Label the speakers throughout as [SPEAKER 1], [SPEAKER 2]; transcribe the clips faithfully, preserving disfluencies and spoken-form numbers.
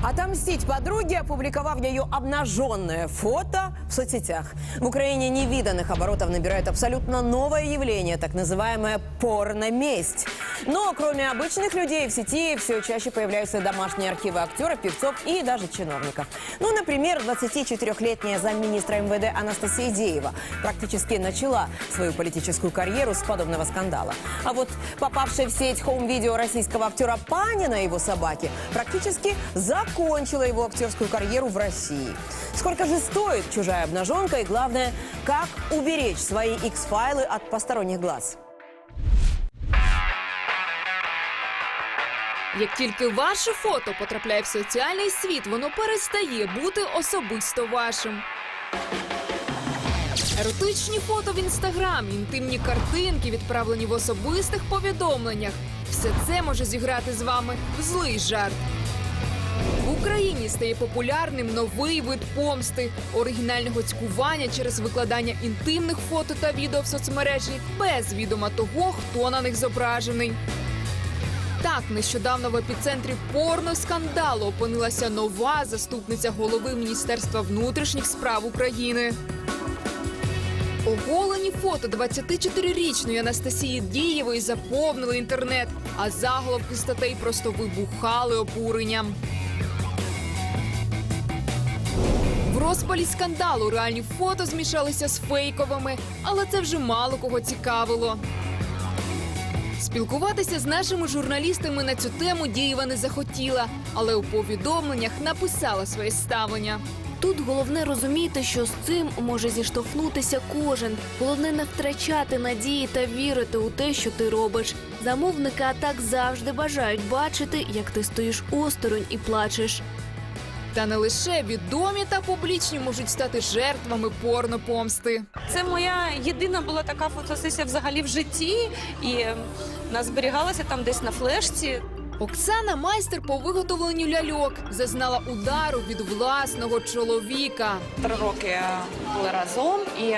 [SPEAKER 1] Отомстить подруге, опубликовав ее обнаженное фото в соцсетях. В Украине невиданных оборотов набирает абсолютно новое явление, так называемая порноместь. Но кроме обычных людей в сети все чаще появляются домашние архивы актеров, певцов и даже чиновников. Ну, например, двадцатичетырёхлетняя замминистра эм вэ дэ Анастасия Деева практически начала свою политическую карьеру с подобного скандала. А вот попавшее в сеть хоум-видео российского актера Панина и его собаки практически закончила его актерскую карьеру в России. Сколько же стоит чужая обнаженка и, главное, как уберечь свои икс-файлы от посторонних глаз?
[SPEAKER 2] Як тільки ваше фото потрапляє в соціальний світ, воно перестає бути особисто вашим. Еротичні фото в інстаграм, інтимні картинки, відправлені в особистих повідомленнях. Все це може зіграти з вами в злий жарт. В Україні стає популярним новий вид помсти – оригінального цькування через викладання інтимних фото та відео в соцмережі без відома того, хто на них зображений. Так, нещодавно в епіцентрі порноскандалу опинилася нова заступниця голови Міністерства внутрішніх справ України. Оголені фото двадцятичотирирічної Анастасії Дієвої заповнили інтернет, а заголовки статей просто вибухали обуренням. В розпалі скандалу реальні фото змішалися з фейковими, але це вже мало кого цікавило. Спілкуватися з нашими журналістами на цю тему Дієва не захотіла, але у повідомленнях написала своє ставлення.
[SPEAKER 3] Тут головне розуміти, що з цим може зіштовхнутися кожен. Головне не втрачати надії та вірити у те, що ти робиш. Замовники атак завжди бажають бачити, як ти стоїш осторонь і плачеш.
[SPEAKER 2] Та не лише відомі та публічні можуть стати жертвами порнопомсти.
[SPEAKER 4] Це моя єдина була така фотосесія взагалі в житті, і вона зберігалася там десь на флешці.
[SPEAKER 2] Оксана – майстер по виготовленню ляльок. Зазнала удару від власного чоловіка.
[SPEAKER 4] Три роки були разом і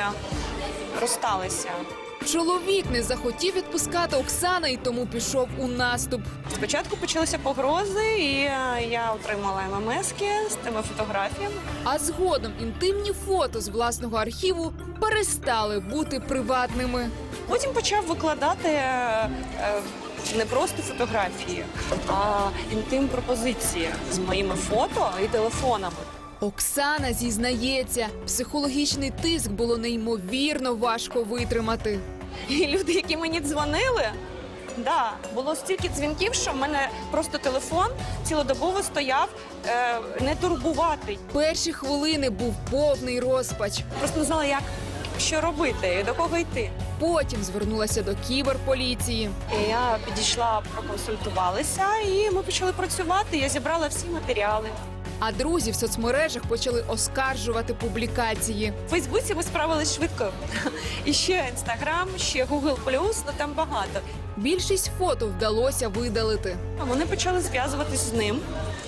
[SPEAKER 4] розсталися.
[SPEAKER 2] Чоловік не захотів відпускати Оксану і тому пішов у наступ.
[SPEAKER 4] Спочатку почалися погрози, і я отримала ем ем ески з тими фотографіями.
[SPEAKER 2] А згодом інтимні фото з власного архіву перестали бути приватними.
[SPEAKER 4] Потім почав викладати е, е, не просто фотографії, а інтим-пропозиції з моїми фото і телефонами.
[SPEAKER 2] Оксана зізнається, психологічний тиск було неймовірно важко витримати.
[SPEAKER 4] І люди, які мені дзвонили, да, було стільки дзвінків, що в мене просто телефон цілодобово стояв, е, не турбувати.
[SPEAKER 2] Перші хвилини був повний розпач.
[SPEAKER 4] Просто не знала, як, що робити і до кого йти.
[SPEAKER 2] Потім звернулася до кіберполіції.
[SPEAKER 4] І я підійшла, проконсультувалися, і ми почали працювати. Я зібрала всі матеріали.
[SPEAKER 2] А друзі в соцмережах почали оскаржувати публікації.
[SPEAKER 4] В Фейсбуці ми справились швидко. І ще Інстаграм, ще Гугл плюс, ну там багато.
[SPEAKER 2] Більшість фото вдалося видалити.
[SPEAKER 4] Вони почали зв'язуватись з ним.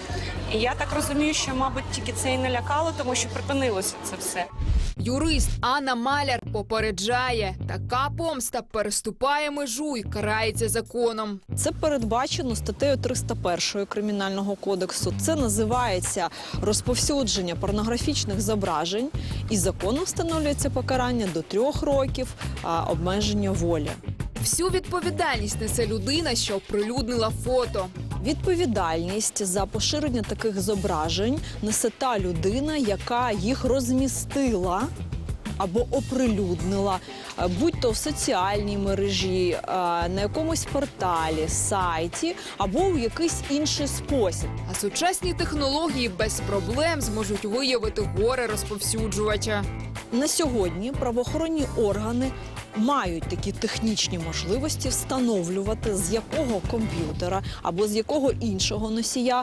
[SPEAKER 4] І я так розумію, що, мабуть, тільки це і не лякало, тому що припинилося це все.
[SPEAKER 2] Юрист Анна Маляр попереджає, така помста переступає межу і карається законом.
[SPEAKER 5] Це передбачено статтею триста першою Кримінального кодексу. Це називається розповсюдження порнографічних зображень. І законом встановлюється покарання до трьох років а, обмеження волі.
[SPEAKER 2] Всю відповідальність несе людина, що оприлюднила фото.
[SPEAKER 5] Відповідальність за поширення таких зображень несе та людина, яка їх розмістила або оприлюднила, будь-то в соціальній мережі, на якомусь порталі, сайті або у якийсь інший спосіб.
[SPEAKER 2] А сучасні технології без проблем зможуть виявити горе-розповсюджувача.
[SPEAKER 5] На сьогодні правоохоронні органи мають такі технічні можливості встановлювати, з якого комп'ютера або з якого іншого носія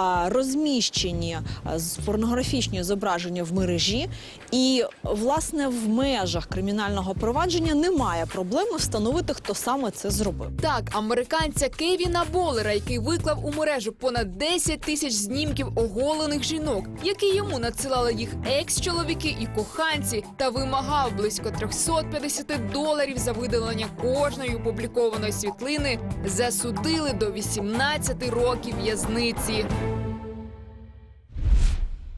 [SPEAKER 5] розміщені порнографічні зображення в мережі. І, власне, в межах кримінального провадження немає проблеми встановити, хто саме це зробив.
[SPEAKER 2] Так, американця Кевіна Болера, який виклав у мережу понад десять тисяч знімків оголених жінок, які йому надсилали їх екс-чоловіки і коханці, та вимагав близько триста п'ятдесят доларів за видалення кожної опублікованої світлини, засудили до вісімнадцяти років в'язниці.